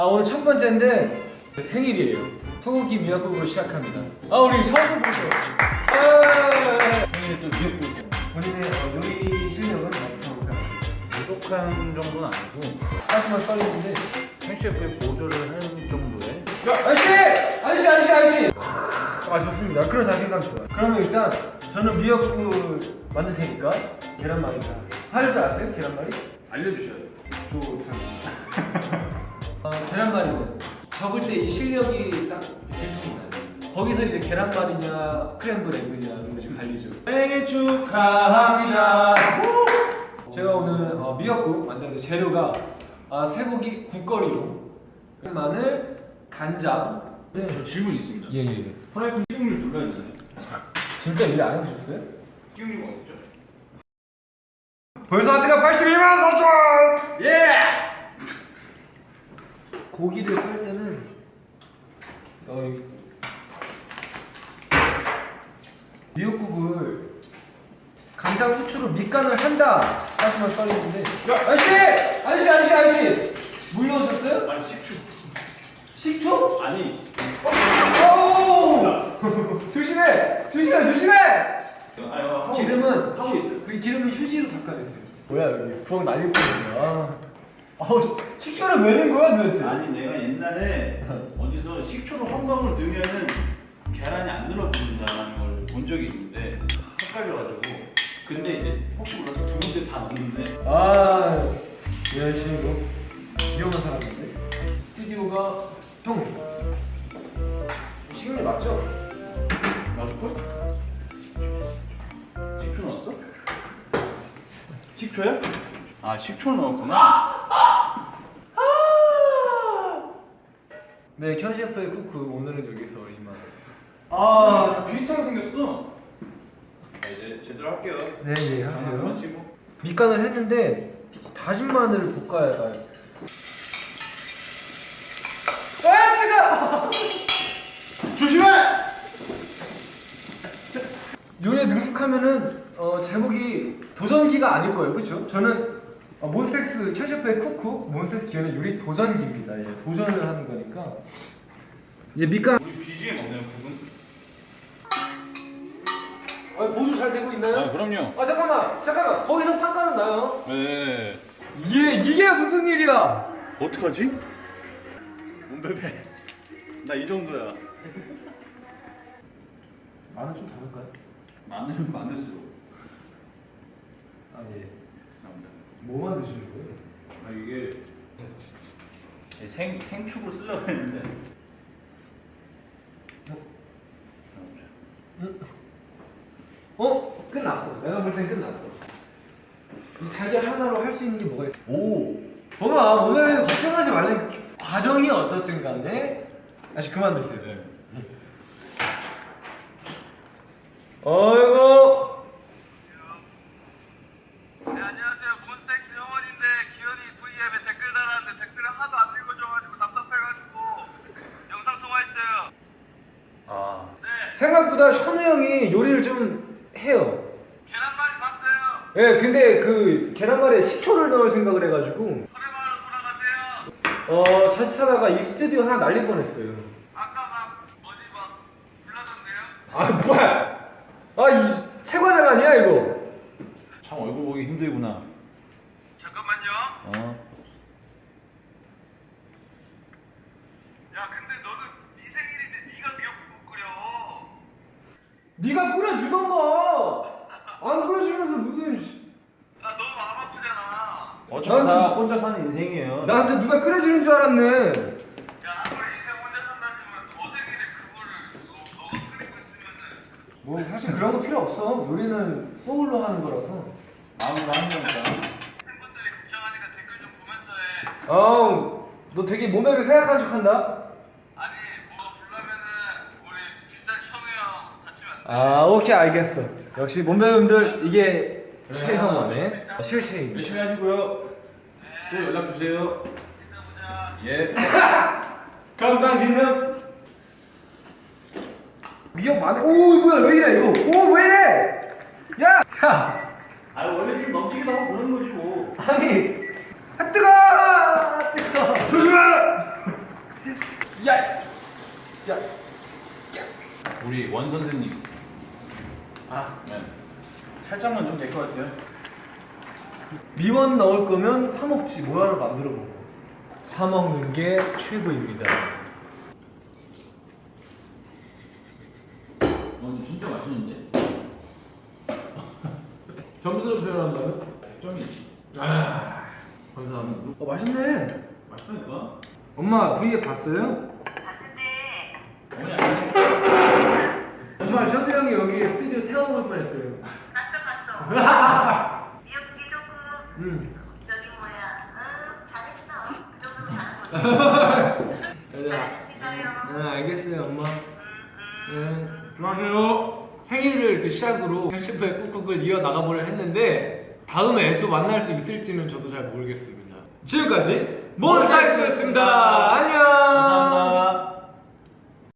오늘 첫 번째인데 생일이에요. 소고기 미역국으로 시작합니다. 우리 처음 보죠. 생일에 또 미역국. 본인의 요리 실력은 어떻다고 생각하세요? 부족한 정도는 아니고 하지만 떨리는데. 셰프의 보조를 하는 정도의. 아저씨! 좋습니다. 그런 자신감 좋아요. 그러면 일단 저는 미역국을 만들 테니까 계란말이 하세요. 할 줄 아세요? 계란말이? 알려주셔야 돼요. 계란말이는 적을 때 이 실력이 딱 들통나요. 거기서 이제 계란말이냐 크렘블 에그냐 이런 것이 갈리죠. 생일 축하합니다. 제가 오늘 미역국 만드는 재료가 쇠고기 국거리로 마늘, 간장. 네, 저 질문 있습니다. 예. 프라이팬 식용유 눌러야 되나요? 진짜 일 안 해보셨어요? 식용유가 없죠? 벌써 하트가 82만 4천! 예! 고기를 썰 때는 미역국을 간장 후추로 밑간을 한다 하시면 썰리는데 아저씨! 물 넣으셨어요? 아니 식초. 식초? 아니. 조심해! 기름은 하고 있어요. 그 기름은 휴지로 닦아내세요. 뭐야 여기 부엌 난리 뻔했네. 식초를 왜 넣은 거야 도대체? 아니 내가 옛날에 어디서 식초로 한 방울 넣으면은 계란이 안 늘어붙는다는 걸 본 적이 있는데 헷갈려가지고. 근데 이제 혹시 몰라서 두 군데 다 넣는데. 열심히 뭐 위험한 사람인데. 스튜디오가 형 식용유 맞죠? 맞을걸? 식초 넣었어? 식초야? 아 식초 넣었구나. 네, 현 셰프의 쿠크 오늘은 여기서 이만. 비슷하게 생겼어. 자, 이제 제대로 할게요. 네, 하세요. 하세요. 밑간을 했는데 다진 마늘을 볶아야 해요. 뜨거! 조심해! 요리에 능숙하면은 제목이 도전기가 아닐 거예요, 그렇죠? 저는 몬스타엑스 현 셰프의 쿠쿠 몬스타엑스 기어는 요리 도전기입니다. 예, 도전을 하는 거니까. 이제 밑간. 우리 BGM 없나요, 부분? 보조 잘 되고 있나요? 그럼요. 잠깐만. 거기서 판가는 나요. 네. 이게 무슨 일이야? 어떡하지? 몸베베. 나 이 정도야. 마늘 좀 다를까요? 마늘은 마늘수록. 예. 감사합니다. 뭐 만드시는 거예요? 이게 생축을 쓰려고 했는데. 끝났어. 내가 볼 땐 끝났어. 이 달걀 하나로 할 수 있는 게 뭐가 있어? 봐봐, 몸에 걱정하지 말래. 과정이 어떻든 간에 다시 그만 드세요. 네. 어이구. 네, 안녕하세요. 몬스타엑스 영원인데 기현이 V앱에 댓글 달았는데 댓글을 하도 안 읽어줘가지고 답답해가지고 영상 통화했어요. 네, 생각보다 현우 형이 요리를 좀 해요. 계란말이 봤어요. 예, 근데 그 계란말이에 식초를 넣을 생각을 해가지고 설해마을로 돌아가세요. 자칫하다가 이 스튜디오 하나 날릴 뻔했어요. 아까 막 어디 막 불나던데요? 뭐야? 이 최과장 아니야 이거? 참 얼굴 보기 힘들구나. 잠깐만요. 야, 근데 너는 네 생일인데 네가 미역국 끓여. 네가 끓여주던가. 안 끓여주면서 무슨? 나 너무 마음 아프잖아. 어차피 다 혼자 사는 인생이에요. 나한테 누가 끓여주는 줄 알았네. 야, 아무리 인생 혼자 산다지만 어제 일에 그거를 너가 끓이고 있으면은. 뭐 사실 그런 거 필요 없어. 요리는 소울로 하는 거라서. 마음으로 하는 거니까. 팬분들이 걱정하니까 댓글 좀 보면서 해. 너 되게 몸매를 생각하는 척한다. 아니, 뭐 불러면은 우리 비싼 현우 형 다치면 안 돼. 오케이 알겠어. 역시 몸매분들 이게 최형원의 실체입니다. 열심히 하시고요. 또 연락 주세요. 이따 보자. 예. 건강진흥. 미역 마늘. 뭐야 왜 이래 이거? 왜 이래? 야. 원래 좀 넘치기도 하고 그런 거지 뭐. 아니. 뜨거. 조심해! 야! 야! 우리 원 선생님. 아, 네. 살짝만 좀 될 것 같아요. 미원 넣을 거면 사 먹지 뭐하러 만들어 먹어. 사 먹는 게 최고입니다. 근데 진짜 맛있는데? 점수로 표현한다면? 100점이지. 아, 감사합니다. 맛있네. 맛있다니까? 엄마 V에 봤어요? 어머니 안 엄마 션드 형이 여기 스튜디오 태워먹을 뻔했어요. 봤어. 귀엽게 조금 응. 저기 뭐야. 잘했어. 그 정도면 잘한 거지. 잘했어요. 알겠어요 엄마. 안녕하세요. 생일을 이렇게 시작으로 편집부의 꾹꾹을 이어나가보려 했는데 다음에 또 만날 수 있을지는 저도 잘 모르겠습니다. 지금까지 몬스타엑스였습니다. 안녕.